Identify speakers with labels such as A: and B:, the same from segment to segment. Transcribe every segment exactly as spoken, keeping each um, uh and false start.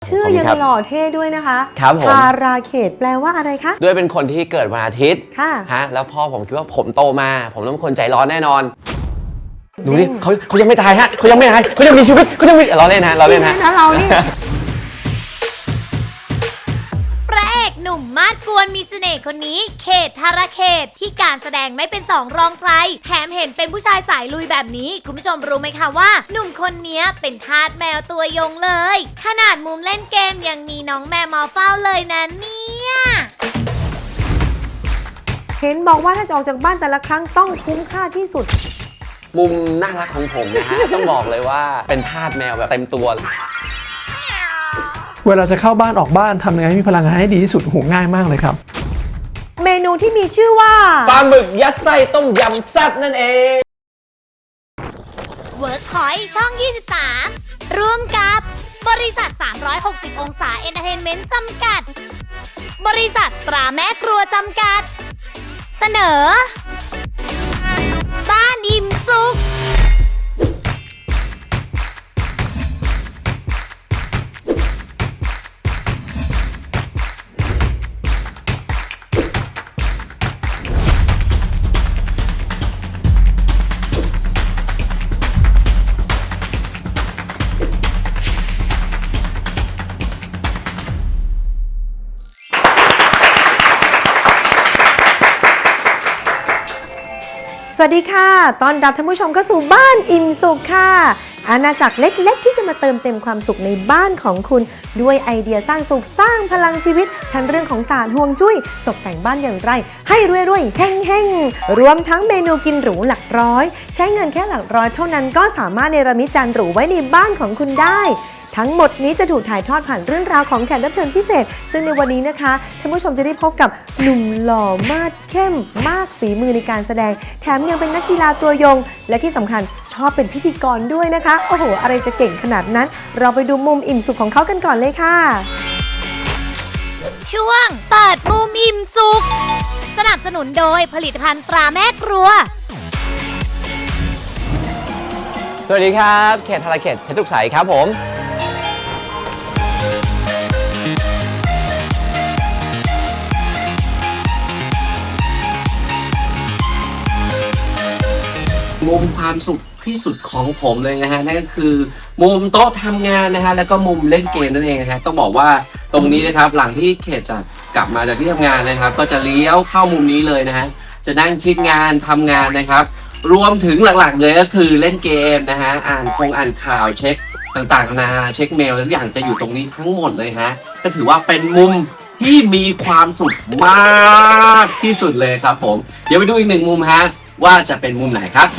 A: ชื่อยังหล่อเท่ด้วยนะคะ
B: ครับผม
A: ทาราเขตแปลว่าอะไรคะ
B: ด้วยเป็นคนที่เกิดวันอาทิตย์
A: ค่ะ
B: ฮะแล้วพ่อผมคิดว่าผมโตมาผมต้องเป็นคนใจร้อนแน่นอนดูดิเขาเขายังไม่ตายฮะเขายังไม่ตายเขายังมีชีวิตเขายังมีเราเล่นฮะเราเล่นฮะ
A: นะเรานี่
C: พระเอกหนุ่มมาดกวนมีเสน่ห์คนนี้เขตธารเขตที่การแสดงไม่เป็นสองรองใครแถมเห็นเป็นผู้ชายสายลุยแบบนี้คุณผู้ชมรู้ไหมคะว่าหนุ่มคนนี้เป็นทาสแมวตัวยงเลยขนาดมุมเล่นเกมยังมีน้องแมวมาเฝ้าเลยนะเนี่ย
A: เห็นบอกว่าถ้าจะออกจากบ้านแต่ละครั้งต้องคุ้มค่าที่สุด
B: มุมน่ารักของผมนะฮะ ต้องบอกเลยว่าเป็นทาสแมวแบบเต็มตัว
D: เวลาจะเข้าบ้านออกบ้านทำยังไงให้มีพลังงานให้ดีที่สุดโหง่ายมากเลยครับ
A: เมนูที่มีชื่อว่า
B: ปลาหมึกยัดไส้ต้มยำแซ่บนั่นเอง
C: เวิร์กพอยต์ช่องยี่สิบสามร่วมกับบริษัทสามร้อยหกสิบองศาเอนเตอร์เทนเมนต์จำกัดบริษัทตราแม่ครัวจำกัดเสนอบ้านอิ่มสุข
A: สวัสดีค่ะต้อนรับท่านผู้ชมเข้าสู่บ้านอิ่มสุขค่ะอาณาจักรเล็กๆที่จะมาเติมเต็มความสุขในบ้านของคุณด้วยไอเดียสร้างสุขสร้างพลังชีวิตทั้งเรื่องของศาสตร์ฮวงจุ้ยตกแต่งบ้านอย่างไรให้รวยๆเฮงๆรวมทั้งเมนูกินหรูหลักร้อยใช้เงินแค่หลักร้อยเท่านั้นก็สามารถเนรมิตจานหรูไว้ในบ้านของคุณได้ทั้งหมดนี้จะถูกถ่ายทอดผ่านเรื่องราวของแขกรับเชิญพิเศษซึ่งในวันนี้นะคะท่านผู้ชมจะได้พบกับหนุ่มหล่อมาดเข้มมากฝีมือในการแสดงแถมยังเป็นนักกีฬาตัวยงและที่สำคัญชอบเป็นพิธีกรด้วยนะคะโอ้โหอะไรจะเก่งขนาดนั้นเราไปดูมุมอิ่มสุขของเขากันก่อนเลยค่ะ
C: ช่วงเปิดมุมอิ่มสุขสนับสนุนโดยผลิตภัณฑ์ตราแม่ครัว
B: สวัสดีครับเขตธารเขตเพชรทุกสายครับผมมุมความสุขที่สุดของผมเลยนะฮะนั่นก็คือมุมโต๊ะทำงานนะฮะแล้วก็มุมเล่นเกมนั่นเองนะฮะต้องบอกว่าตรงนี้นะครับหลังที่เขตจะกลับมาจากที่ทำงานนะครับก็จะเลี้ยวเข้ามุมนี้เลยนะฮะจะนั่งคิดงานทำงานนะครับรวมถึงหลักๆเลยก็คือเล่นเกมนะฮะอ่านคงอ่านข่าวเช็คต่างๆนานาเช็คเมลทุกอย่างจะอยู่ตรงนี้ทั้งหมดเลยฮะก็ถือว่าเป็นมุมที่มีความสุขมากที่สุดเลยครับผมเดี๋ยวไปดูอีกหนึ่งมุมฮะว่าจะเป็นมุมไหนครับ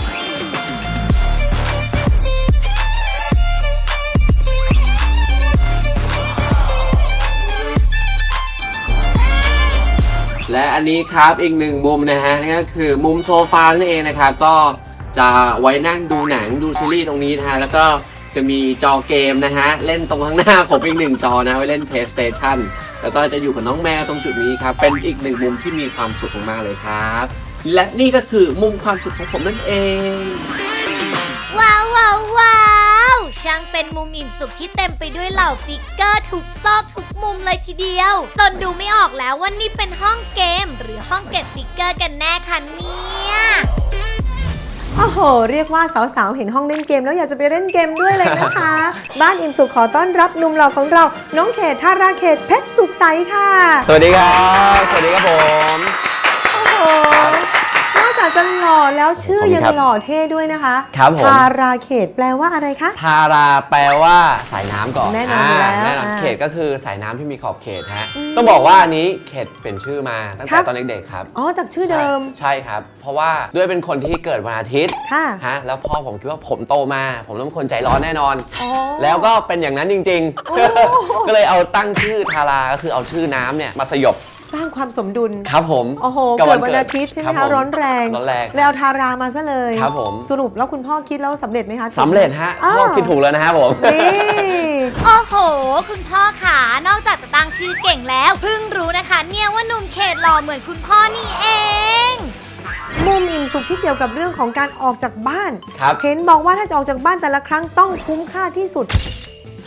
B: และอันนี้ครับอีกหนึ่งมุมนะฮะนั่นก็คือมุมโซฟานั่นเองนะครับก็จะไว้นั่งดูหนังดูซีรีส์ตรงนี้นะฮะแล้วก็จะมีจอเกมนะฮะเล่นตรงข้างหน้าผมอีกหนึ่งจอนะไว้เล่น PlayStation แล้วก็จะอยู่กับน้องแมวตรงจุดนี้ครับเป็นอีกหนึ่งมุมที่มีความสุขมากๆเลยครับและนี่ก็คือมุมความสุขของผมนั่นเอง
C: ว้าวว้าวว้าวช่างเป็นมุมอิ่มสุขที่เต็มไปด้วยเหล่าฟิกเกอร์ทุกซอกทุกมุมเลยทีเดียวจนดูไม่ออกแล้วว่านี่เป็นห้องเกมหรือห้องเก็บฟิกเกอร์กันแน่คะเนี่ย
A: โอ้โหเรียกว่าสาวๆเห็นห้องเล่นเกมแล้วอยากจะไปเล่นเกมด้วยเลยนะคะ บ้านอิ่มสุขขอต้อนรับหนุ่มหล่อของเราน้องเขตธาราเขตเพชรสุขใสค่ะ
B: สวัสดีครับสวัสดีครับผม
A: โอ้โหนอกจากจะหล่อแล้วชื่อยังหล่อเท่ด้วยนะคะ
B: ครับผม
A: ธาราเขตแปลว่าอะไรคะ
B: ธาราแปลว่าสายน้ำก่อน
A: แน่นอนแล้ว
B: แน่นอนเขตก็คือสายน้ำที่มีขอบเขตฮะต้องบอกว่าอันนี้เขตเป็นชื่อมาตั้งแต่ตอนเด็กๆครับ
A: อ๋อจากชื่อเดิม
B: ใช่ครับเพราะว่าด้วยเป็นคนที่เกิดวันอาทิตย์ฮะแล้วพ่อผมคิดว่าผมโตมาผมต้องเป็นคนใจร้อนแน่นอนแล้วก็เป็นอย่างนั้นจริงๆก็เลยเอาตั้งชื่อธาราก็คือเอาชื่อน้ำเนี่ยมาสยบ
A: สร้างความสมดุล
B: ครับผม
A: โอ้โหเกิดวันอาทิตย์ใช่ไหมคะร้อนแรง
B: ร้อนแรง
A: แล้วทารามาซะเลย
B: ครับผม
A: สรุปแล้วคุณพ่อคิดแล้วสำเร็จไหมคะ
B: สำเร็จฮะพ่อคิดถูกแล้วนะฮะผม
C: โอ้โหคุณพ่อขานอกจากจะตั้งชื่อเก่งแล้วเพิ่งรู้นะคะเนี่ยว่าหนุ่มเขตหล่อเหมือนคุณพ่อนี่เอง
A: มุมอิ่มสุขที่เกี่ยวกับเรื่องของการออกจากบ้านเห็นบอกว่าถ้าจะออกจากบ้านแต่ละครั้งต้องคุ้มค่าที่สุด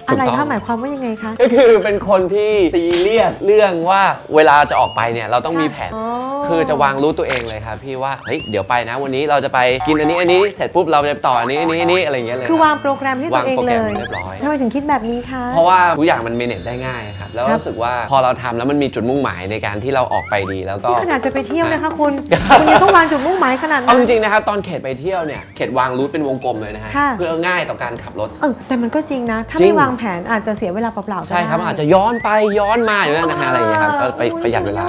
A: อะไร
E: ถูกต้
A: คะ
E: อง
A: หมายความว่ายังไงคะ
E: ก็คือเป็นคนที่ซีเรียสเรื่องว่าเวลาจะออกไปเนี่ยเราต้องมีแผน
A: อ๋อ
E: คือจะวางรู้ตัวเองเลยครับพี่ว่าเฮ้ยเดี๋ยวไปนะวันนี้เราจะไปกินอันนี้อันนี้เสร็จปุ๊บเราจะไปต่ออันนี้อันนี้อันนี้อะไรอย่างเงี้ยเลย
A: คือ
E: รับ
A: วางโปรแกรมให้ตัวเอง
E: วางโปร
A: เล
E: แกรม
A: ย
E: เรียบร้อย
A: ทำไมถึงคิดแบบนี้คะ
E: เพราะว่าทุกอย่างมันเมเนจได้ง่ายครับแล้ว
A: ครับ
E: รู้สึกว่าพอเราทำแล้วมันมีจุดมุ่งหมายในการที่เราออกไปดีแล้วก็
A: นี่ขนาดจะไปเที่ยวนะคะคุณ คุณยังต้องวางจุดมุ่งหมายขนาดนั้
E: เอา
A: น
E: จริงๆนะครับตอนเขตไปเที่ยวเนี่ยเขตวางรูทเป็นวงกลมเลยนะฮะ
A: ค่ะ
E: เพื่อง่ายต่อการขับรถ
A: เออแต่มันก็จริงนะ ถ้า
E: จริ
A: ไม่
E: ง
A: วางแผนอาจจะเสียเวลาเปล่าๆก็
E: ใช่ครับ
A: ได้
E: อาจจะย้อนไปย้อนมาอยู่นั่นนะฮะอะไรอย่างเงี้ยครับก็ไป
A: โอ้ย
E: ประหยัดเวลา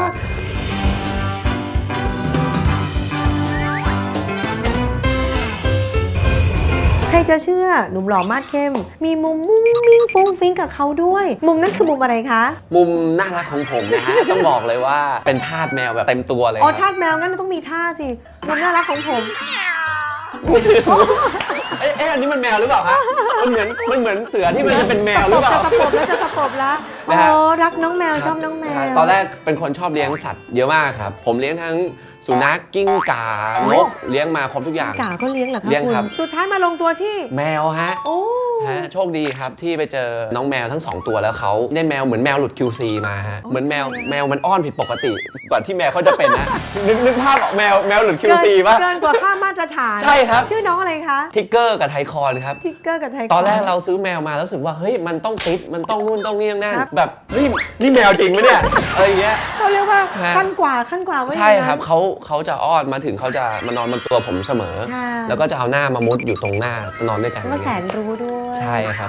A: ใครจะเชื่อหนุ่มหล่อมาดเข้ม มีมุมมุ้งมิ้งฟุ้งฟิ้งกับเขาด้วย มุมนั้นคือมุมอะไรคะ
E: มุมน่ารักของผมนะฮะ ต้องบอกเลยว่าเป็นทาสแมวแบบเต็มตัวเลย
A: อ๋อ
E: ค
A: ทา
E: รับ
A: สแมวงั้นต้องมีท่าสิมุมน่ารักของผม
E: เอ๊ะเอ๊ะอันนี้มันแมวหรือเปล่าฮะมันเหมือนมันเหมือนเสือที่มันจะเป็นแมวหรือเปล่า
A: จะตะปบแล้วจะตะปบแล้ว
E: นะ
A: อ๋
E: ฮะ
A: อรักน้องแมวชอบน้องแมว
E: ตอนแรกเป็นคนชอบเลี้ยงสัตว์เยอะมากครับ ผมเลี้ยงทั้งสุนัขกิ้งก่านกเลี้ยงมาครบทุกอย่าง
A: กาก็เลี้ยงเหรอคะ
E: เลี้ยง
A: คุณ
E: ครับ
A: สุดท้ายมาลงตัวที่
E: แมวฮะ
A: โอ้
E: ฮะโชคดีครับที่ไปเจอน้องแมวทั้งสองตัวแล้วเขาได้แมวเหมือนแมวหลุด คิว ซี มาฮะเหมือนแมวแมวมันอ้อนผิดปกติกว่าที่แมวเขาจะเป็นนะ นึกนึกภาพออกแมวแมวหลุด คิว ซี ป่ะ
A: เกินกว่าค่ามาตรฐาน
E: ใช่ครับ
A: ชื่อน้องอะไรคะ
E: ทิกเกอร์กับไทคอนครับ
A: ทิกเกอร์กับไทย
E: ตอนแรกเราซื้อแมวมาแล้วรู้สึกว่าเฮ้ยมันต้องติดมันต้องนู่นต้องนี่ต้องนั่น
A: ครับ
E: แบบนี่นี่แมวจริงไหมเนี่ยอะไรอย่างเงี้ย
A: เขาเรียกว่า
E: ฮะ
A: ขั้นกว่าขั้นกว่าว่า
E: ใช่
A: อย่างนั้น
E: ครับเขาเขาจะอ้อนมาถึงเขาจะมานอนบนตัวผมเสมอ
A: ค่ะ
E: แล้วก็จะเอาหน้ามามุดอยู่ตรงหน้านอนด้วยกัน
A: ก็แสนรู้ด้วย
E: ใช่ครับ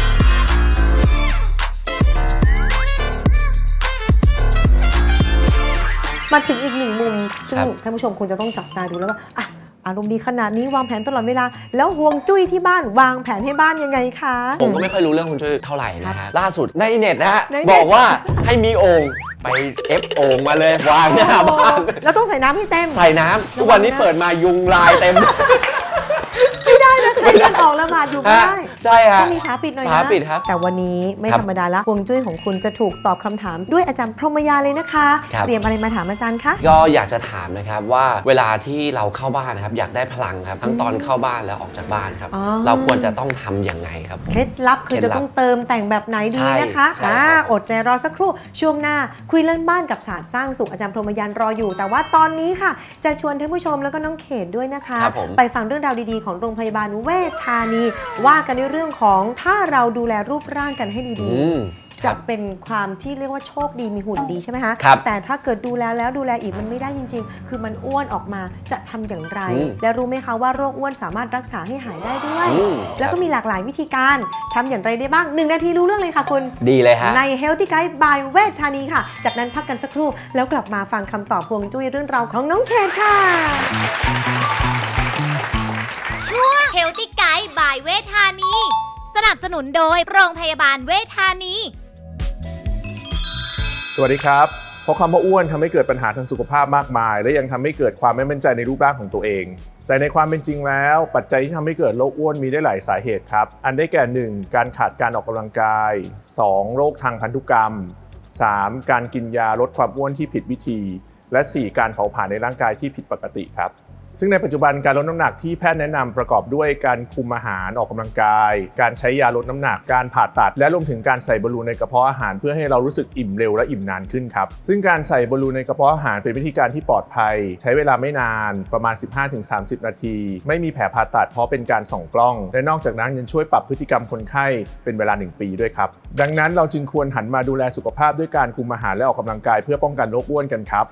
A: มาถึงอีกหนึ่งมุมซึ่ง
E: ครับ
A: ท่านผู้ชมคงจะต้องจับตาดูแล้วว่าอ่ะอารมณ์ดีขนาดนี้วางแผนตลอดเวลา แล้วห่วงจุ้ยที่บ้านวางแผนให้บ้านยังไงคะ
E: ผมก็ไม่ค่อยรู้เรื่องคุณช่วยเท่าไหร่นะฮะล่าสุดในเน็ตนะฮะ
A: ในเน็ต
E: บอกว่าให้มีโอ่งไปเอฟโอ่งมาเลยวางหน้าบ้าน
A: แล้วต้องใส่น้ำให้เต็ม
E: ใส่น้ำทุกวันนี้เปิดมายุงลายเต็ม
A: ไม่ได้นะใครเดินออกละหมาดอยู่ไม่ได้
E: ใช่ฮะ
A: ต้องมีฝาปิดหน่อยนะ
E: ฝาปิดครับ
A: แต่วันนี้ไม่
E: ครับ
A: ธรรมดาละห่วงจุ้ยของคุณจะถูกตอบคำถามด้วยอาจารย์พรหมยาเลยนะคะ
E: ครับ
A: เตรียมอะไรมาถามอาจารย์คะ
E: ก็อยากจะถามนะครับว่าเวลาที่เราเข้าบ้านนะครับอยากได้พลังครับทั้งตอนเข้าบ้านแล้วออกจากบ้านครับ
A: อ๋อ
E: เราควรจะต้องทำยังไงครับ
A: เคล็ดลับคือ
E: เคล็
A: จะ
E: ดลับ
A: ต้องเติมแต่งแบบไหนดี
E: ใช่
A: นะคะ
E: ใช่
A: อ่า
E: ครับ
A: อดใจรอสักครู่ช่วงหน้าคุยเรื่องบ้านกับศาสตร์สร้างสุขอาจารย์พรหมยานรออยู่ แต่ว่าตอนนี้ค่ะ จะชวนท่านผู้ชมแล้วก็น้องเขตด้วยนะคะ
E: ครับผม
A: ไปฟังเรื่องราวดีๆของโรงพยาบาลเวชธานี ว่ากันในเรื่องของถ้าเราดูแลรูปร่างกันให้ดี
E: อืม
A: ๆ จะเป็นความที่เรียกว่าโชคดีมีหุ่นดีใช่ไหมคะ
E: ครับ
A: แต่ถ้าเกิดดูแลแล้วดูแลอีกมันไม่ได้จริง ๆ คือมันอ้วนออกมาจะทำอย่างไร
E: อืม
A: และรู้ไหมคะว่าโรคอ้วนสามารถรักษาให้หายได้ด้วย
E: อืม
A: แล้วก็มีหลากหลายวิธีการทำอย่างไรได้บ้างหนึ่งนาทีรู้เรื่องเลยค่ะคุณ
E: ดีเลยฮะ
A: ใน Healthy Guide by เวชธานีค่ะ จากนั้นพักกันสักครู่ แล้วกลับมาฟังคำตอบพวงจุ้ยเรื่องราวของน้องเคนค่ะ
C: ช่วง Healthy Guide by เวชธานี สนับสนุนโดยโรงพยาบาลเวชธานี
F: สวัสดีครับ เพราะคำว่าอ้วนทำให้เกิดปัญหาทางสุขภาพมากมาย และยังทำให้เกิดความไม่มั่นใจในรูปร่างของตัวเอง แต่ในความเป็นจริงแล้วปัจจัยที่ทำให้เกิดโรคอ้วนมีได้หลายสาเหตุครับ อันได้แก่ หนึ่ง การขาดการออกกำลังกาย สอง โรคทางพันธุกรรม สาม การกินยาลดความอ้วนที่ผิดวิธี และ สี่ การเผาผลาญในร่างกายที่ผิดปกติครับ ซึ่งในปัจจุบันการลดน้ำหนักที่แพทย์แนะนำประกอบด้วยการคุมอาหารออกกำลังกาย การใช้ยาลดน้ำหนักการผ่าตัด และรวมถึงการใส่บอลลูนในกระเพาะอาหารเพื่อให้เรารู้สึกอิ่มเร็วและอิ่มนานขึ้นครับซึ่งการใส่บอลลูนในกระเพาะอาหารเป็นวิธีการที่ปลอดภัย ใช้เวลาไม่นานประมาณ สิบห้าถึงสามสิบ นาที ไม่มีแผลผ่าตัดเพราะเป็นการส่องกล้อง และนอกจากนั้นยังช่วยปรับพฤติกรรมคนไข้เป็นเวลาหนึ่งปีด้วยครับดังนั้นเราจึงควรหันมาดูแลสุขภาพด้วยการคุมอาหารและออกกำลังกายเพื่อป้องกันโรคอ้วนกันครับ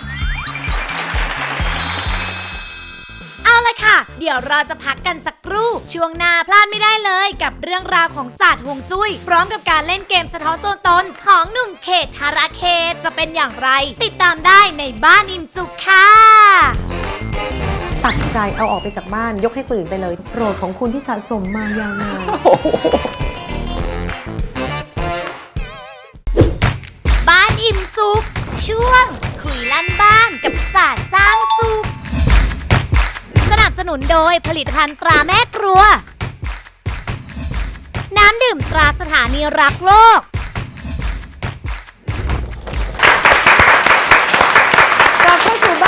C: เอาละค่ะ เดี๋ยวเราจะพักกันสักครู่ ช่วงหน้าพลาดไม่ได้เลยกับเรื่องราวของศาสตร์ฮวงจุ้ย พร้อมกับการเล่นเกมสะท้อนตัวตนของหนุ่มเขตธาราเขตจะเป็นอย่างไร ติดตามได้ในบ้านอิ่มสุขค่ะ
A: ตัดใจเอาออกไปจากบ้านยกให้คนอื่นไปเลยโปรดของคุณที่สะสมมายาวนาน
C: บ้านอิ่มสุขช่วง คุยลั่นบ้านกับศาสตร์สร้างสุขสนับสนุนโดยผลิตภัณฑ์ตราแม่ครัว น้ำดื่มตราสถานีรักโลก
A: กลับเข้าสู่บ้านอิ่มสุข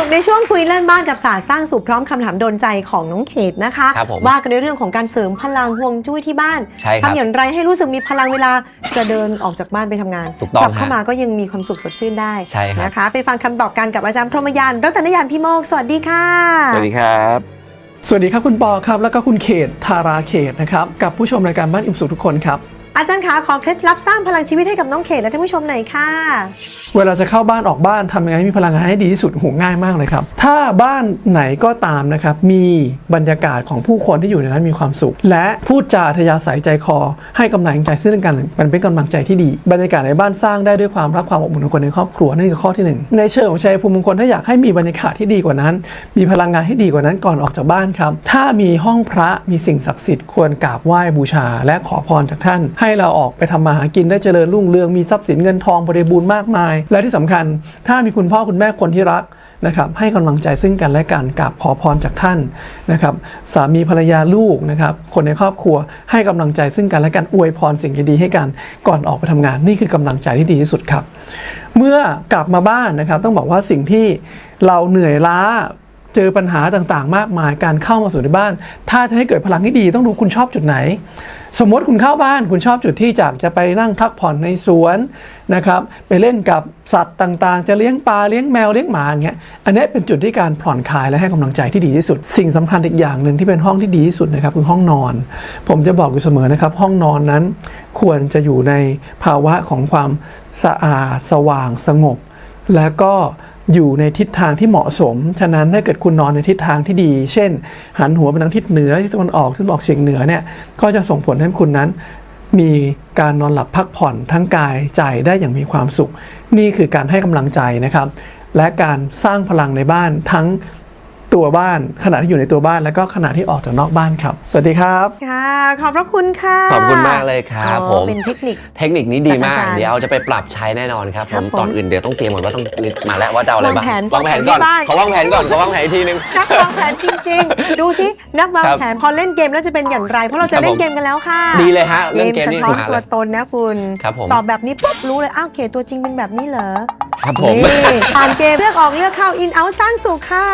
A: กในช่วงคุยเล่นบ้านกับศาสตร์สร้างสุขพร้อมคำถามโดนใจของน้องเขตนะคะ
E: ครับผม
A: ว่ากันในเรื่องของการเสริมพลังฮวงจุ้ยที่บ้าน
E: ใช่ครับ
A: ทำอย่างไรให้รู้สึกมีพลังเวลาจะเดินออกจากบ้านไปทำงาน
E: ถูกต้อง
A: กลัเข้า
E: ฮะ
A: มาก็ยังมีความสุขสดชื่นได้
E: ใช่ครับ
A: นะคะ ไปฟังคำตอบกันกับอาจารย์พรหมยานรัตนยานพิโมกสวัสดีค่ะ
E: สวัสดีครับ
D: สวัสดีครับคุณปอครับแล้วก็คุณเขตธาราเขตนะครับกับผู้ชมรายการบ้านอิ่มสุขทุกคนครับ
A: อาจารย์ขาขอเคล็ดลับสร้างพลังชีวิตให้กับน้องเขตและท่านผู้ชมหน่อยค่ะ
D: เวลาจะเข้าบ้านออกบ้านทำยังไงให้มีพลังงานให้ดีที่สุดโหง่ายมากเลยครับถ้าบ้านไหนก็ตามนะครับมีบรรยากาศของผู้คนที่อยู่ในนั้นมีความสุข และพูดจาทยาศัยใจคอให้กำลังใจซึ่งกันมันเป็นกำลังใจที่ดี บรรยากาศในบ้านสร้างได้ด้วยความรักความอบอุ่นของคนในครอบครัวนั่นคือข้อที่หนึ่งในเชิงของชัยภูมิมงคลถ้าอยากให้มีบรรยากาศที่ดีกว่านั้น มีพลังงานที่ดีกว่านั้นก่อนออกจากบ้านครับถ้ามีห้องพระมีสิ่งศักดิ์สิทธิ์ควรกราบไหว้บูชา และขอพรจากท่านให้เราออกไปทำมาหากินได้เจริญรุ่งเรืองมีทรัพย์สินเงินทองบริบูรณ์มากมาย และที่สำคัญถ้ามีคุณพ่อคุณแม่คนที่รักนะครับให้กำลังใจซึ่งกันและกันกราบขอพรจากท่านนะครับสามีภรรยาลูกนะครับคนในครอบครัวให้กำลังใจซึ่งกันและกันอวยพรสิ่งดีๆให้กันก่อนออกไปทำงานนี่คือกำลังใจที่ดีที่สุดครับเมื่อกลับมาบ้านนะครับต้องบอกว่าสิ่งที่เราเหนื่อยล้าเจอปัญหาต่างๆมากมายการเข้ามาสู่ในบ้านถ้าจะให้เกิดพลังที่ดีต้องดูคุณชอบจุดไหนสมมติคุณเข้าบ้านคุณชอบจุดที่จากจะไปนั่งพักผ่อนในสวนนะครับไปเล่นกับสัตว์ต่างๆจะเลี้ยงปลาเลี้ยงแมวเลี้ยงหมาอย่างเงี้ยอันนี้เป็นจุดที่การผ่อนคลายและให้กำลังใจที่ดีที่สุดสิ่งสำคัญอีกอย่างหนึ่งที่เป็นห้องที่ดีที่สุดนะครับคือห้องนอนผมจะบอกอยู่เสมอนะครับห้องนอนนั้นควรจะอยู่ในภาวะของความสะอาดสว่างสงบและก็อยู่ในทิศทางที่เหมาะสมฉะนั้นถ้าเกิดคุณนอนในทิศทางที่ดีเช่นหันหัวไปทางทิศเหนือทิศตะวันออกทิศตะวันออกเฉียงเหนือเนี่ยก็จะส่งผลให้คุณนั้นมีการนอนหลับพักผ่อนทั้งกายใจได้อย่างมีความสุขนี่คือการให้กำลังใจนะครับและการสร้างพลังในบ้านทั้งตัวบ้านขณะที่อยู่ในตัวบ้านแล้วก็ขณะที่ออกจากนอกบ้านครับสวัสดีครับ
A: ค่ะขอบพระคุณค่ะ
E: ขอบคุณมากเลยครับ
A: อ๋อ
E: ผม
A: เป็นเทคนิค
E: เทคนิคนี้ดีมาก
A: จากอาจารย์
E: เดี๋ยวจะไปปรับใช้แน่นอนครับ
A: ค
E: ผ
A: รับ
E: ม
A: ผม
E: ตอนอื่นเดี๋ยวต้องเตรียมก่อนว่าต้องมาแล้วว่าจะเอาอะไรบ้าง
A: วางแผน
E: วางแผนก่อน
A: ที่บ้าน
E: ขอวางแผนก่อนขอวางแผนอีกทีนึง
A: นักวางแผนจริงๆ ดูสินักวาง
E: ครับ
A: แผนพอเล่นเกมแล้วจะเป็นอย่างไร เพราะเราจะเล่นเกมกันแล้วค่ะ
E: ดีเลยฮะ
A: เก
E: เล่น
A: ม
E: เกม
A: สะ
E: นี่
A: ท้อน
E: มา
A: ตั
E: เล
A: วย ตนนะคุณ
E: ครับผม
A: ตอบแบบนี้ปุ๊บรู้เลยอ้าวเขตตัวจริงเป็นแบบนี้เหรอ
E: ครับผม
A: นี่ผ่านเกมเลือกออกเลือกเข้าอินเอาสร้างสุขค่ะ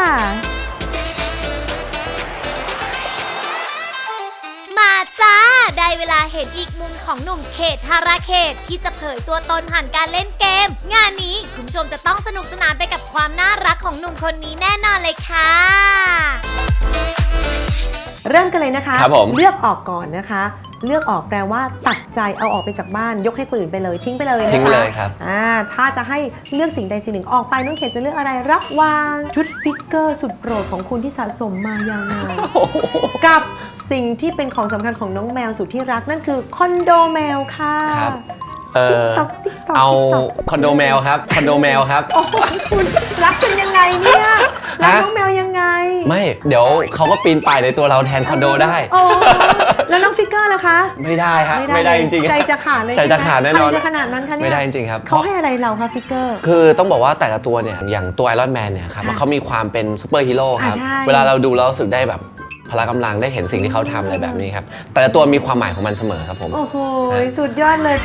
C: มาจ้า ได้เวลาเห็นอีกมุมของหนุ่มเขตธาราเขตที่จะเผยตัวตนผ่านการเล่นเกม งานนี้คุณผู้ชมจะต้องสนุกสนานไปกับความน่ารักของหนุ่มคนนี้แน่นอนเลยค่ะ
A: เริ่มกันเลยนะคะ
E: ครับผม
A: เลือกออกก่อนนะคะ เลือกออกแปลว่าตัดใจเอาออกไปจากบ้านยกให้คนอื่นไปเลยทิ้งไปเลยนะคะ
E: ทิ้งไปเลยครับ
A: อ่าถ้าจะให้เลือกสิ่งใดสิ่งหนึ่งออกไปน้องเขตจะเลือกอะไรระหว่างชุดฟิกเกอร์สุดโปรดของคุณที่สะสมมายาวนานกับสิ่งที่เป็นของสำคัญของน้องแมวสุดที่รักนั่นคือคอนโดแมวค่ะ
E: ครับเออ
A: TikTok TikTok
E: เอา
A: TikTok
E: คอนโดแมวครับคอนโดแมวครับ
A: โอ้โหคุณรักกันยังไงเนี่ยรัก
E: ฮะ
A: น้องแมวยังไง
E: ไม่เดี๋ยวเขาก็ปีนป่ายในตัวเราแทนคอนโดได้
A: โอ้แล้วน้องฟิกเกอร์ล่ะคะ
E: ไม่ได้ฮะไม่ได้จริงๆ
A: ใจจะขาดเลย
E: ใจจะขาดแน่นอน
A: อะไรจะขนาดนั้นคะเนี่ย
E: ไม่ได้จริงๆครับ
A: เขาให้อะไรเราคะฟิกเกอร์
E: คือต้องบอกว่าแต่ละตัวเนี่ยอย่างตัวไอรอนแมนเนี่ยครับ
A: ค่ะ
E: เขามีความเป็นซูเปอร์ฮีโร่ครับ
A: อ่าใช่
E: เวลาเราดูเรารู้สึกได้แบบพละกำลังได้เห็นสิ่งที่เขาทำอะไรแบบนี้ครับแต่ละตัวมีความหมายของมันเสมอครับผม
A: โอ้โหสุดยอดเลย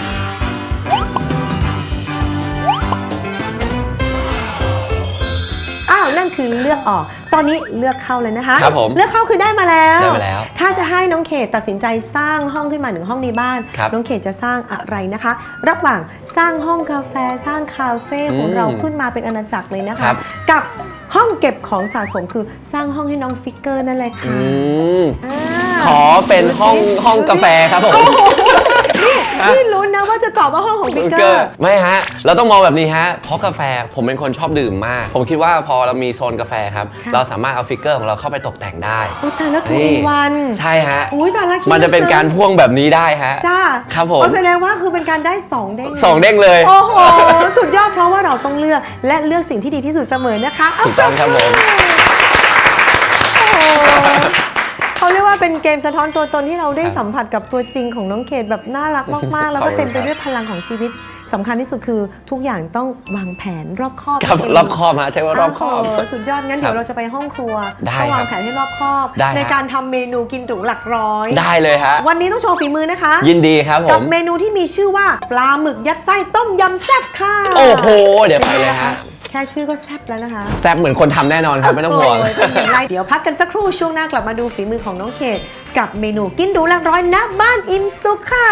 A: อ้าวนั่นคือเลือกออกตอนนี้เลือกเข้าเลยนะคะ
E: ครับผม
A: เลือกเข้าคือได้มาแล้ว
E: ได้มาแล้ว
A: ถ้าจะให้น้องเขตตัดสินใจสร้างห้องขึ้นมาหนึ่งห้องในบ้าน
E: ครับ
A: น้องเขตจะสร้างอะไรนะคะ ระหว่างสร้างห้องกาแฟสร้างคาเฟ่ของ
E: อืม
A: เราขึ้นมาเป็นอาณาจักรเลยนะ
E: ครั
A: คะ
E: บ
A: กับห้องเก็บของสะสมคือสร้างห้องให้น้องฟิกเกอร์นั่นเลยค่ะ
E: อืม
A: อ่า
E: ขอเป็นห้อง
A: ดูสิ
E: ห้องกาแฟครับผม
A: นี่พี่ลุ้นนะว่าจะตอบว่าห้องของฟิกเกอร์
E: ไม่ฮะ เราต้องมองแบบนี้ฮะ เพราะกาแฟผมเป็นคนชอบดื่มมาก ผมคิดว่าพอเรามีโซนกาแฟครับ
A: ค่ะ
E: เราสามารถเอาฟิกเกอร์ของเราเข้าไปตกแต่งได้
A: อุ้ยแต่ละถูกวัน
E: ใช่ฮะ
A: อุ้ยแต่ละคิด
E: มันจะเป็นการพ่วงแบบนี้ได้ฮะ
A: จ้า
E: ครับผม
A: เอาแสดงว่าคือเป็นการได้สองเด้ง
E: สองเด้งเลย
A: โอ้โห สุดยอดเพราะว่าเราต้องเลือกและเลือกสิ่งที่ดีที่สุดเสมอนะคะ
E: ถูกต้องครับผม
A: โอ้โหเขาเรียกว่าเป็นเกมสะท้อนตัวตนที่เราได้
E: ครับ
A: สัมผัสกับตัวจริงของน้องเขตแบบน่ารักมากๆ แล้วก็
E: ขอบคุณ
A: เต็มไป
E: ครับ
A: ด้วยพลังของชีวิตสำคัญที่สุดคือทุกอย่างต้องวางแผนรอบคอบ
E: ครับ
A: นั่นเง
E: รอบคอบฮะใช่ว่ารอบคอบ
A: โโหสุดยอดงั้นเดี๋ยวเราจะไปห้องครัว
E: ได้
A: ต้องวาง
E: ครับ
A: แผนให้รอบคอบ
E: ได้
A: ใน
E: ฮะ
A: การทำเมนูกินหรูหลักร้อย
E: ได้เลยฮะ
A: วันนี้ต้องโชว์ฝีมือนะคะ
E: ยินดีครับผ
A: กับ
E: ม
A: เมนูที่มีชื่อว่าปลาหมึกยัดไส้ต้มยำแซ่บค่ะ
E: โอ้โห เดี๋ยวไปเลยฮะ
A: แค่ชื่อก็แซ่บแล้วนะคะ
E: แซ่บเหมือนคนทำแน่นอนครับไม่ต้องห่วง
A: โยเป็นอย่างไรเดี๋ยวพักกันสักครู่ช่วงหน้ากลับมาดูฝีมือของน้องเขตกับเมนูกินหรูหลักร้อยณบ้านอิ่มสุขค่ะ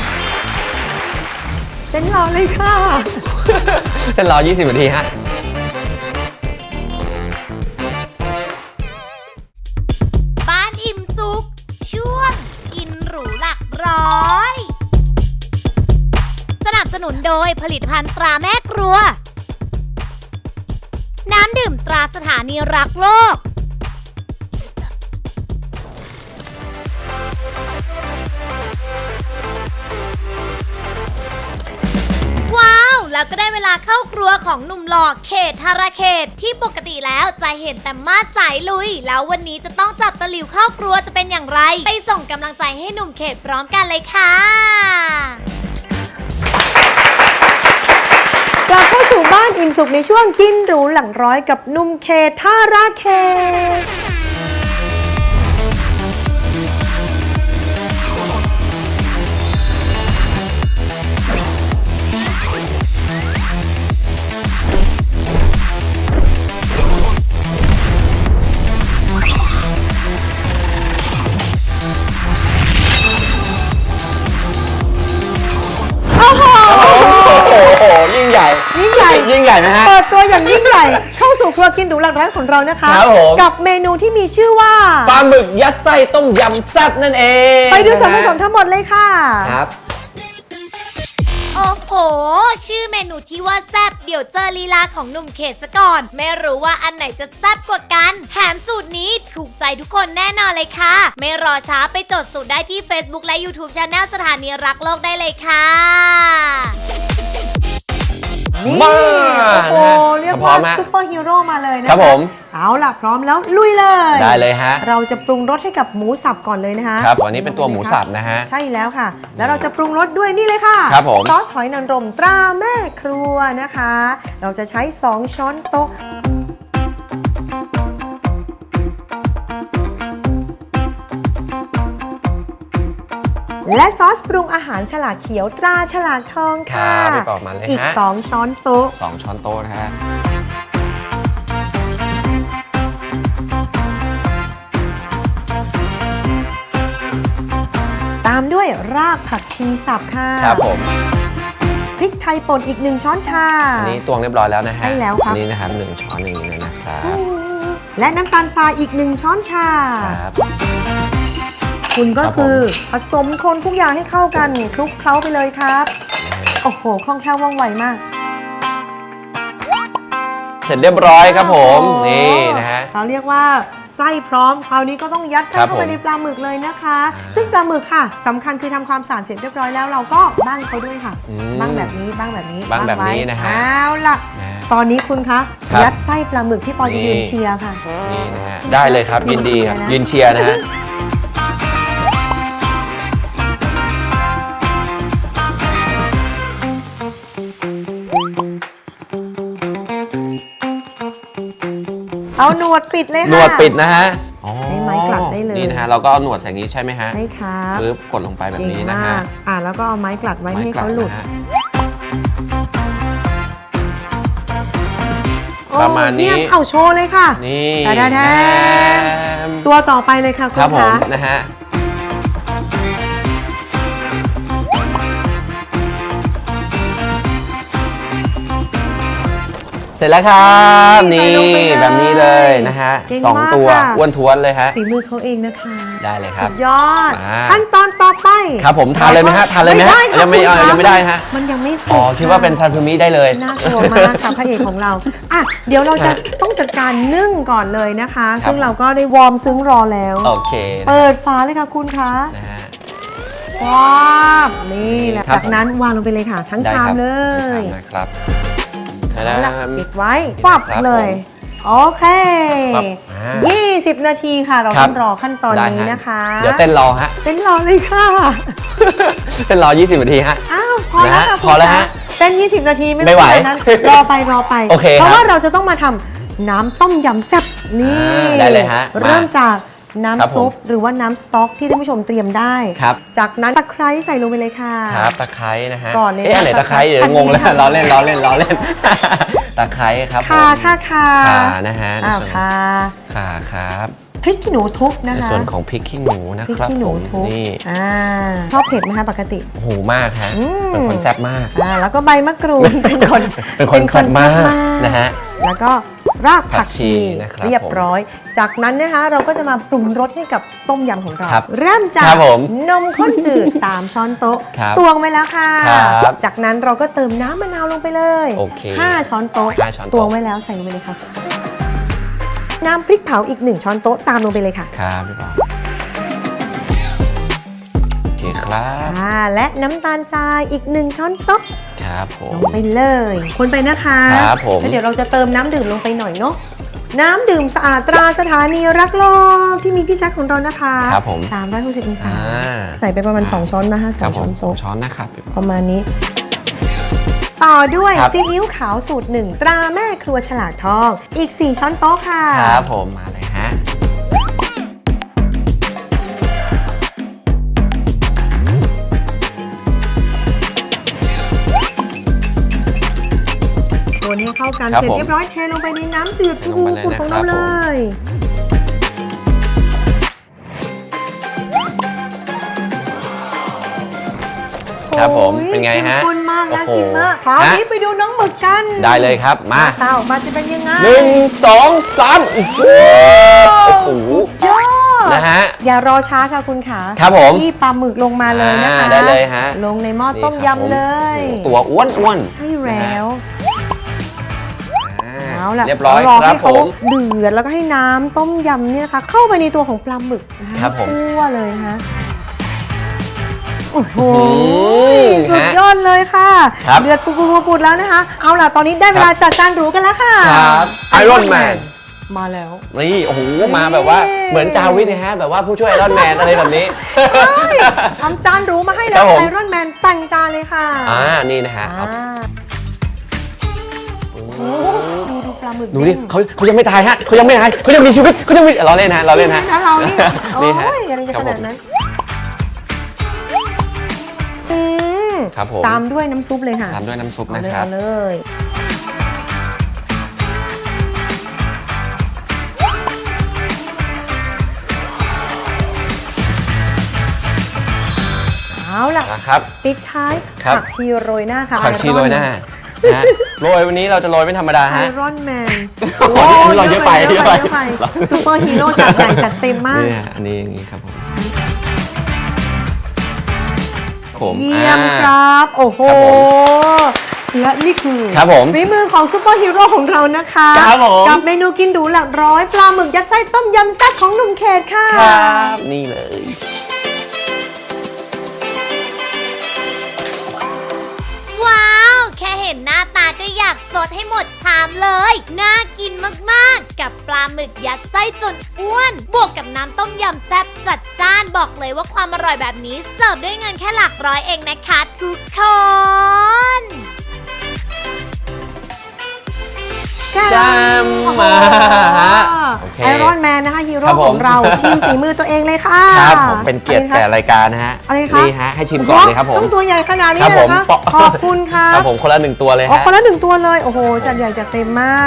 A: เต้นรอเลยค่ะ
E: เป็นรอ ยี่สิบ นาทีฮะ
C: บ้านอิ่มสุขช่วงกินหรูหลักร้อย สนับสนุนโดยผลิตภัณฑ์ตราแม่ครัว น้ำดื่มตราสถานีรักโลก ว้าว แล้วก็ได้เวลาเข้าครัวของหนุ่มหล่อเขตธารเขตที่ปกติแล้วจะเห็นแต่มาดสายลุย แล้ววันนี้จะต้องจับตะหลิวเข้าครัวจะเป็นอย่างไร ไปส่งกำลังใจให้หนุ่มเขตพร้อมกันเลยค่ะ
A: กลับเข้าสู่บ้านอิ่มสุขในช่วงกินหรูหลังร้อยกับหนุ่มเขตท่าราเขต
E: โอ้โห ยิ่งใหญ่
A: ยิ่งใหญ่
E: ยิ่งใหญ่ไหมฮะ
A: เปิดตัวอย่างยิ่งใหญ่ เข้าสู่ครัวกินหรูหลักร้อยของเรานะคะ
E: ครับผม
A: กับเมนูที่มีชื่อว่า
E: ปลาหมึกยัดไส้ต้มยำแซ่บนั่นเอง
A: ไปดูส่วนผสมทั้งหมดเลยค่ะ
E: ครับ
C: โอ้โห ชื่อเมนูที่ว่าแซ่บเดี๋ยวเจอลีลาของหนุ่มเขตซะก่อน ไม่รู้ว่าอันไหนจะแซ่บกว่ากัน แถมสูตรนี้ถูกใจทุกคนแน่นอนเลยค่ะ ไม่รอช้าไปจดสูตรได้ที่ Facebook และ YouTube Channel สถานีรักโลกได้เลยค่ะ
A: นี่
E: มา
A: โอ้โห เรียก
E: พร้
A: ว่า
E: อมฮะ
A: ซุปเปอร์ฮีโร่มาเลยนะคะ
E: ครับผม
A: เอาล่ะ พร้อมแล้วลุยเลย
E: ได้เลยฮะ
A: เราจะปรุงรสให้กับหมูสับก่อนเลยนะคะ
E: ครับอันนี้เป็นตัวหมูสับนะฮะ
A: ใช่แล้วค่ะ แล้วเราจะปรุงรสด้วยนี่เลยค่ะ
E: ครับผม
A: ซอสหอยนางรมตราแม่ครัวนะคะ เราจะใช้สองช้อนโต๊ะ และซอสปรุงอาหารฉลากเขียวตราฉลากทองค่ะ
E: ครับไปบอกมาเลยฮะ
A: อีกสองช้อนโต๊ะ
E: สองช้อนโต๊ะนะฮะ
A: ตามด้วยรากผักชีสับค่ะ
E: ครับผม
A: พริกไทยป่นอีกหนึ่งช้อนชา
E: อันนี้ตวงเรียบร้อยแล้วนะฮะ
A: ใช่แล้วครับ
E: อันนี้นะครับหนึ่งช้อนอย่างนี้เลยนะครับ
A: และน้ำตาลทรายอีกหนึ่งช้อนชา
E: ครับ
A: คุณก็
E: ครับผม
A: คือผสมคนทุกอย่างให้เข้ากันคลุกเคล้าไปเลยครับ โอ้โห คล่องแคล่วว่องไวมาก
E: เสร็จเรียบร้อยครับผม
A: โอ้โห
E: นี่นะฮะ
A: เขาเรียกว่าไส้พร้อม คราวนี้ก็ต้องยัดไส้
E: ครับ
A: เข้าไป
E: ผม
A: ในปลาหมึกเลยนะคะ ซึ่งปลาหมึกค่ะสำคัญคือทำความสะอาดเสร็จเรียบร้อยแล้วเราก็บ้างเขาด้วยค่ะ
E: อืม
A: บ้างแบบนี้บ้างแบบนี้
E: บ้างแบบนี้
A: ไว้
E: นะฮะ
A: เอาล่ะ
E: นะฮะ
A: ตอนนี้คุณคะ
E: ครับ
A: ยัดไส้ปลาหมึกที่ปอจะ
E: นี่
A: ยืนเชียร์ค่ะ
E: นี่นะฮะ ได้เลยครับ ยินดีครับ
A: ยื
E: ยื
A: น
E: น
A: เชี
E: เชี
A: ย
E: ย
A: ร์
E: ร์
A: นะ
E: นะฮะ
A: เอาหนวดปิดเลยค่ะ
E: หนวดปิดนะฮะอ๋อ
A: ใช้ไม้กลัดได้เลย
E: นี่นะฮะ เราก็เอาหนวดใส่อย่างนี้ใช่ไหมฮะ
A: ใช่ครับ
E: ปึ๊บกดลงไปแบบนี้นะฮะ
A: เก่งมากอ่าแล้วก็เอาไม้กลัดไว้ไม่ให้
E: กลั
A: เขาหลุด
E: นะฮะ
A: โอ้
E: ประมาณนี้
A: เยี่ยเอาโชว์เลยค่ะ
E: นี่
A: แต่แท้
E: ม
A: ตัวต่อไปเลยค่ะคุ
E: ครั
A: ณ
E: บผม
A: คะ
E: นะฮะ เสร็จแล้วครับ
A: นี่
E: นี่
A: ใส่ลงไปเลย
E: แบบนี้เลยนะฮะ
A: เก่ง
E: สอง
A: มาก
E: ตัว
A: ค่ะ
E: อ้วนท้วนเลยฮะ
A: ฝีมือเขาเองนะคะ
E: ได้เลยครั
A: สุ
E: บ
A: ดยอด
E: มา
A: ขั้นตอนต่อไป
E: ครับผมทานเลยไหมฮะทานเลยไหมฮะ
A: ด้ค่ะ
E: ยังไม่
A: คุณ
E: เอา
A: คะ
E: ยังไม่ได้ฮะ
A: มันยังไม่สุก
E: อ๋อคิดว่าเป็นซาซูมิได้เลย
A: น่ากลัวมากค่ะพระเอกของเราอ่ะเดี๋ยวเราจะ
E: ฮะ
A: ต้องจัดการนึ่งก่อนเลยนะคะ
E: ครับ
A: ซึ่งเราก็ได้วอร์มซึ้งรอแล้ว
E: โอเคนะ
A: เปิดฝาเลยค่ะคุณคะ
E: นะฮะ
A: ว้าบนี่แหละ
E: ครับ
A: จากนั้นวางลงไปเลยค่ะ ทั้ง
E: ได้
A: ชาม
E: ครับ
A: เล
E: ทั้ง
A: ย
E: ชามนะครับ
A: เอาละ
E: ทะดาม
A: ปิดไว้ฟับ
E: ครับ
A: เลย โอเค
E: ฟับอ่า
A: ยี่สิบ นาทีค่ะ เรา
E: ครั
A: ต้
E: บ
A: องรอขั้นตอน
E: ได้
A: นี้
E: ฮ
A: นะคะ
E: เดี๋ยวเต้นรอฮะ
A: เต้นรอเลยค่ะ
E: เต้นรอ ยี่สิบ นาทีฮะ
A: อ้าวพอแล้ว
E: นะฮะ
A: ค่ะ
E: พอแล้วฮะ
A: เต้น ยี่สิบ นาทีไม่
E: ไม่ไหว
A: ต้องขนาดนั้นรอไปรอไป
E: โอเค
A: เพราะ
E: ครับ
A: ว่าเราจะต้องมาทำน้ำต้มยำแซ่บนี่
E: อ่าได้เลยฮะมา
A: เริ่มจาก
E: ครับ
A: น้ำ
E: ผม
A: ซุปหรือว่าน้ำสต๊อกที่ท่านผู้ชมเตรียมได้
E: ครับ
A: จากนั้นตะไคร้ใส่ลงไปเลยค่ะ
E: ครับตะไคร้นะฮะ
A: ก่อนเลย
E: เอ๊ะอันไหน
A: นะ
E: ตะไคร้เดี๋ยว
A: อันนี้
E: งงแล้ว
A: ค่ะ
E: ล้อเล่นล้อเล่นล้อเล่นตะไคร้ครับผม
A: ค่ะค่ะค่ะ
E: ข่านะฮะใน
A: อ้าว
E: ส่วน
A: ค่ะ
E: ข่าครับ
A: พริกขี้หนูทุบนะ
E: ใน
A: คะ
E: ส่วนของพริกขี้หนูนะ
A: พริก
E: ครับ
A: ขี้ห
E: ผ
A: นู
E: ม
A: ทุบ
E: นี่
A: อ่าชอบเผ็ดไหมคะปกติ
E: โอ้โหมากฮะ
A: อืม
E: เป็นคนแซ่บมาก
A: อ่าแล้วก็ใบมะกรูด เป็นคน
E: เป็นคนแซ่บมาก
A: แซ่บ
E: นะฮะ
A: แล้วก็รากผักชี
E: ผักชีนะครับ
A: เรียบร้อย จากนั้นนะคะเราก็จะมาปรุงรสให้กับต้มยำของเรา
E: ครับ
A: เริ่มจาก
E: ครับผม
A: นมข้นจืด สาม ช้อนโต๊ะ
E: ครับ
A: ตวงไว้แล้วค่ะ
E: ครับ
A: จากนั้นเราก็เติมน้ำมะนาวลงไปเลย
E: โอเค
A: ห้า ช้อนโต๊ะ
E: ห้าช้อนโต๊ะ
A: ตวงไว้แล้วใส่ลงไปเลยค่ะ น้ำพริกเผาอีกหนึ่งช้อนโต๊ะตามลงไปเลยค่ะ
E: ครับพี่ปอโอเคครับ
A: อ่าและน้ำตาลทรายอีกหนึ่งช้อนโต๊ะ
E: ครับผ
A: ล
E: ม
A: งไปเลย คนไปนะคะ
E: ครับผม
A: แล้วเดี๋ยวเราจะเติมน้ำดื่มลงไปหน่อยเนาะ น้ำดื่มสะอาดตราสถานีรักโลกที่มีพี่แซคของเรานะคะ
E: ครับผม
A: สามร้อยหกสิบองศา
E: อ่า
A: ใส่ไปประมาณ สอง ช้อนนะคะ
E: ค
A: ส
E: รั
A: อบ ง
E: ผ
A: ช้อ
E: ม
A: น
E: สอง
A: โต๊ะ
E: ช้อนนะครับพี่ปอ
A: ประมาณนี้ ต่อด้วย
E: ครับ
A: ซีอิ๊วขาวสูตรหนึ่งตราแม่ครัวฉลากทอง อีก สี่ ช้อนโต๊ะค่ะ
E: ครับผมมาเลยฮะ
A: คนให้เข้ากัน
E: ครับ
A: เสร็จ
E: ผม
A: เรียบร้อยเทลงไปในน้ำเดือด
E: เทลงไปเลย
A: ปุดๆของเรา
E: นะครับ
A: เลย
E: ครับผม
A: โอ้ย
E: เป็นไงฮะ
A: เข้มข้นมากน่า
E: โอ้โห
A: กินมากคราวนี้
E: ฮะ
A: ไปดูน้องหมึกกัน
E: ได้เลยครับมา
A: หน้ตาออกมาจะเป็นยังไง
E: หนึ่งสองสามโอ้โหโอ้โห
A: สุดยอด
E: นะฮะ
A: อย่ารอช้าค่ะคุณขา
E: ครับผม
A: ที่ปลาหมึกลงมาเลยนะคะ
E: อ่าได้เลยฮะ
A: ลงในหม้อต้ม
E: นี่ครับ
A: ยำเลย
E: ผมตัวอ้วนอ้วน
A: ใช่แล้ว
E: อ่า
A: เอาล่ะ
E: เรียบร้อย
A: รอ
E: ครั
A: ให้
E: บผ
A: เขา
E: ม
A: เดือดแล้วก็ให้น้ำต้มยำเนี่ยนะคะ เข้าไปในตัวของปลาหมึกนะคะ
E: ครับผม
A: ทั่วเลยนะคะโอ้โห
E: อื้อหือ
A: สุดยอดเลยค่ะ
E: ครับ
A: เดือดปุดๆๆแล้วนะคะ เอาล่ะตอนนี้ได้เวลาจัดจานหรูกันแล้วค่ะ
E: ครับ Iron Man
A: มาแล้ว
E: นี่โอ้โหมาแบบว่าเหมือนจาวิทนะฮะแบบว่าผู้ช่วยไอรอนแมนอะไรแบบนี้
A: ใช่ทำจานหรูมาให้แล้
E: ครั
A: ว
E: บผม
A: ไอรอนแมนแต่งจานเลยค่ะ
E: อ่านี่นะฮะเอา
A: อ่าโอ้โหดูดูปลาหมึก
E: ดูดิ
A: เด้ง
E: เขาเขายังไม่ตายฮะเขายังไม่ตายเขายังมีชีวิตเขายังมีเราเล่นฮะเราเล่นฮะ
A: นะเรานี่โอ้
E: นี่ฮะ
A: ยอะไรจะ
E: ครั
A: ข
E: บผ
A: นาม ดนั้นอืม
E: ครับผม
A: ตามด้วยน้ำซุปเลยค่ะ
E: ตามด้วยน้ำซุป
A: เอา
E: นะ
A: เลย
E: ครับ
A: เอาเลย เอาล่ะ
E: นะครับ
A: ปิดท้าย
E: ครับ
A: ผักชีโรยหน้าค่ะ
E: ผักชีโรยหน้านะฮะโรยวันนี้เราจะโรยไม่ธรรมดา
A: ไอ
E: ฮะ
A: รอนแมน
E: โอ้ยเราเยอะไป
A: เยอะไป
E: เย
A: เย
E: อะ
A: อะ
E: ไป
A: ไปซูเปอร์ฮีโร่จัดใหญ่จัดเต็มมาก
E: นี่ฮะอันนี้อย่างนี้ครับผมผม
A: เยี่ยม
E: อ่า
A: ครับ โอ้โห
E: ครับผม
A: และนี่คือ
E: ครับผม
A: ฝีมือของซูเปอร์ฮีโร่ของเรานะคะ
E: ครับผม
A: กับเมนูกินดูหลักร้อยปลาหมึกยัดไส้ต้มยำแซ่บของหนุ่มเขตค่ะ
E: ครับนี่เลย
C: ว้าว แค่เห็นหน้าตาก็อยากสดให้หมดชามเลย น่ากินมากๆ กับปลาหมึกยัดไส้จนอ้วน บวกกับน้ำต้มยำแซ่บจัดจ้านบอกเลยว่าความอร่อยแบบนี้ เสิร์ฟด้วยเงินแค่หลักร้อยเองนะคะทุกคน
A: แช
E: ม
A: โอ้โห
E: มาฮะโอเค
A: ไอรอนแมนนะคะฮีโร่
E: ครับผม
A: ของเราชิมฝีมือตัวเองเลยค่ะ
E: ครับผมเป็นเกียรติ
A: อะไรคะ
E: แก่รายการนะฮะ
A: อะไรคะ
E: นี่ฮะให้ชิมก่อนเลยครับผม
A: ต้องตัวใหญ่ขนาดนี้
E: ครับ
A: เล
E: ผ
A: ย
E: ม
A: นะคะ
E: ปะ
A: ขอบคุณค่ะ
E: ครับผมคนละหนึ่งตัวเลย
A: อ๋อ
E: ฮะ
A: คนละหนึ่งตัวเลย โอ้โห จัดใหญ่จัดเต็มมาก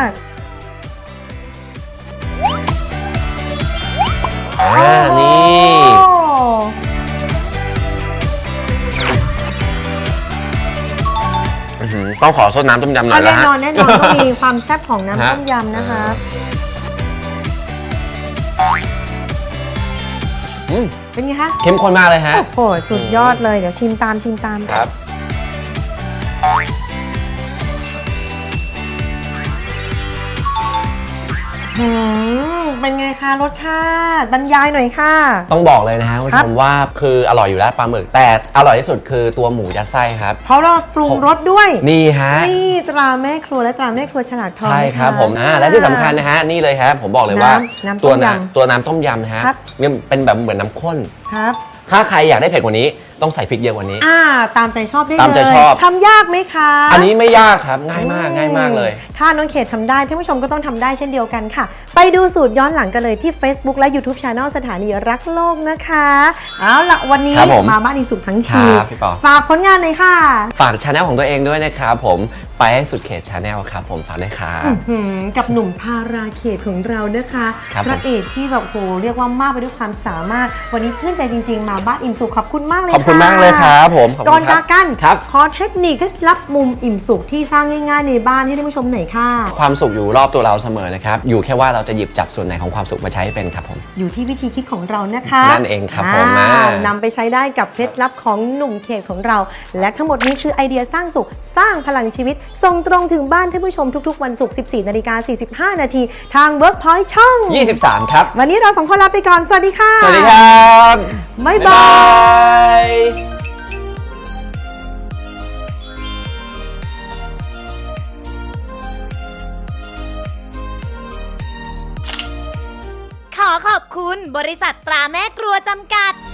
E: อ่านี่
A: โอ้
E: อื้อหือต้องขอซดน้ำต้มยำหน่
A: เอา
E: อยแล้
A: แน่
E: วฮะ
A: นอนแน่นอนก็มีความแซ่บของน้ำ
E: ฮะ
A: ต้มยำนะคะ
E: อืม
A: เป็นไงคะ
E: เข้มข้นมากเลยฮะ
A: โอ้โห สุดยอดเลย เดี๋ยวชิมตามชิมตาม
E: ครับ
A: หืมเป็นไงคะรสชาติบรรยายหน่อยค่ะ
E: ต้องบอกเลยนะฮะคุณ
A: ครั
E: ผู้
A: บ
E: ชมว่าคืออร่อยอยู่แล้วปลาหมึกแต่อร่อยที่สุดคือตัวหมูยัดไส้ครับ
A: เพราะเราปรุงรสด้วย
E: นี่ฮะ
A: นี่ตราแม่ครัวและตราแม่ครัวฉลากทอง
E: ใช่ครับ
A: นะะ
E: ผมอ่าและที่สำคัญนะฮะนี่เลยครับผมบอกเลยว่า
A: น้ำน้ำต้
E: ตัว
A: มยำ
E: น้ำตัวน้ำต้มยำนะฮะ
A: ครับ
E: เนี่ยเป็นแบบเหมือนน้ำข้น
A: ครับ
E: ถ้าใครอยากได้เผ็ดกว่านี้ต้องใส่พริกเยอะกว่านี้
A: อ่าตามใจชอบได้เลย
E: ตามใจชอบ
A: ทำยากไหมคะ
E: อันนี้ไม่ยากครับง่ายมากง่ายมากเลย
A: ถ้าน้องเขตทำได้ท่านผู้ชมก็ต้องทำได้เช่นเดียวกันค่ะ ไปดูสูตรย้อนหลังกันเลยที่ Facebook และ YouTube Channel สถานีรักโลกนะคะเอาละวันนี้
E: ครับผม
A: มาบ้านอิมสุขทั้งที
E: ครับพี่ปอ
A: ฝากผลงานหน่อยค่ะ
E: ฝากช anel ของตัวเองด้วยนะครับผมไปให้สุดเขต channel ครับผมฝากด้วยครับ
A: หืมกับหนุ่มทาราเขตของเรานะคะ
E: ครับ
A: พระเอกที่แบบโหเรียกว่ามากไปด้วยความสามารถ วันนี้ชื่นใจจริง ๆ มาบ้านอิ่มสุขขอบคุณมากเลย
E: ขอบคุณ
A: ะ
E: มากเลยครับผมขบคุณ
A: ก่อน
E: ครั
A: จา
E: บ
A: กกัน
E: ครับ
A: ขอเทคนิคเคล็ดลับมุมอิ่มสุขที่สร้างง่ายๆในบ้านให้ท่านผู้ชมหน่อยค่ะ
E: ความสุขอยู่รอบตัวเราเสมอนะครับอยู่แค่ว่าเราจะหยิบจับส่วนไหนของความสุขมาใช้ให้เป็นครับผม
A: อยู่ที่วิธีคิดของเรานะคะ
E: นั่นเองครับผม
A: อ่า
E: อ่าน
A: ำไปใช้ได้กับเคล็ดลับของหนุ่มเขตของเรา และทั้งหมดนี้คือไอเดียสร้างสุขสร้างพลังชีวิตส่งตรงถึงบ้านท่านผู้ชมทุกๆวันศุกร์ สิบสี่นาฬิกาสี่สิบห้านาทีทาง Workpoint ช่อง
E: ยี่สิบสามครับ
A: วันนี้เราสองคนลาไปก่อน สวัสดีค่ะ
E: สวัสดีครับ
A: บ๊ายบาย
E: ย
C: ขอขอบคุณบริษัทตราแม่ครัวจำกัด